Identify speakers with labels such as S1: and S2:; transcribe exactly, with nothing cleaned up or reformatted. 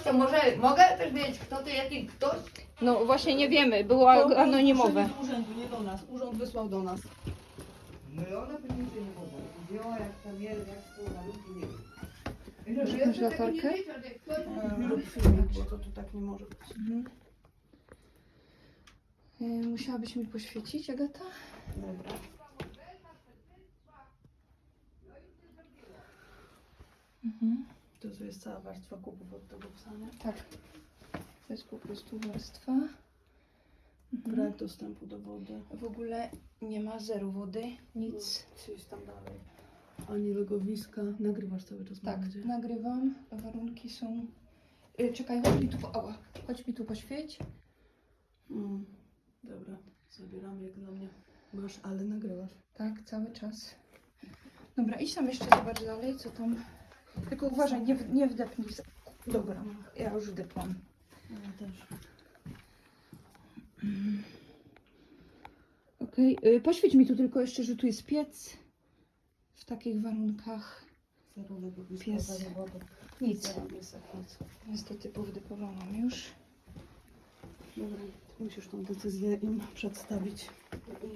S1: to może mogę też wiedzieć, kto to jaki ktoś?
S2: No właśnie nie wiemy, było anonimowe.
S3: Z urzędu, nie do nas. Urząd wysłał do nas.
S1: No i ona pewnie się nie mogła. Wzięła jak tam jest, jak są malunki, nie wiem.
S2: Masz
S1: Ja
S2: jakąś
S1: sobie tego nie
S2: latarkę?
S1: wiedział, że ktoś
S3: E,
S1: robi
S3: Rób filmik, bo to tu tak nie może być.
S2: Mhm. Y, Musiałabyś mi poświecić, Agata?
S3: Dobra.
S2: Mhm.
S3: To tu jest cała warstwa kupów od tego psa, nie?
S2: Tak. To jest po prostu warstwa. Mhm.
S3: Brak dostępu do wody.
S2: W ogóle nie ma zero wody, nic.
S3: Co jest tam dalej? Ani legowiska. Nagrywasz cały czas, mam
S2: Tak,
S3: nadzieję.
S2: nagrywam. Warunki są... Y, czekaj, chodź mi tu, po... Ała. Chodź mi tu poświeć.
S3: Mm. Dobra, zabieramy jak dla mnie. Masz, ale nagrywasz.
S2: Tak, cały czas. Dobra, idź tam jeszcze zobacz dalej, co tam... Tylko uważaj, nie, w- nie wdepnij. za- Dobra, ja już wdepłam.
S3: Ja też.
S2: Okej, okay. Poświeć mi tu tylko jeszcze, że tu jest piec. W takich warunkach
S3: Zero legowiska,
S2: Pies.
S3: zero wody.
S2: nic.
S3: Zero piesek, nic.
S2: Niestety powdepowałam już.
S3: Dobra, musisz tą decyzję im przedstawić.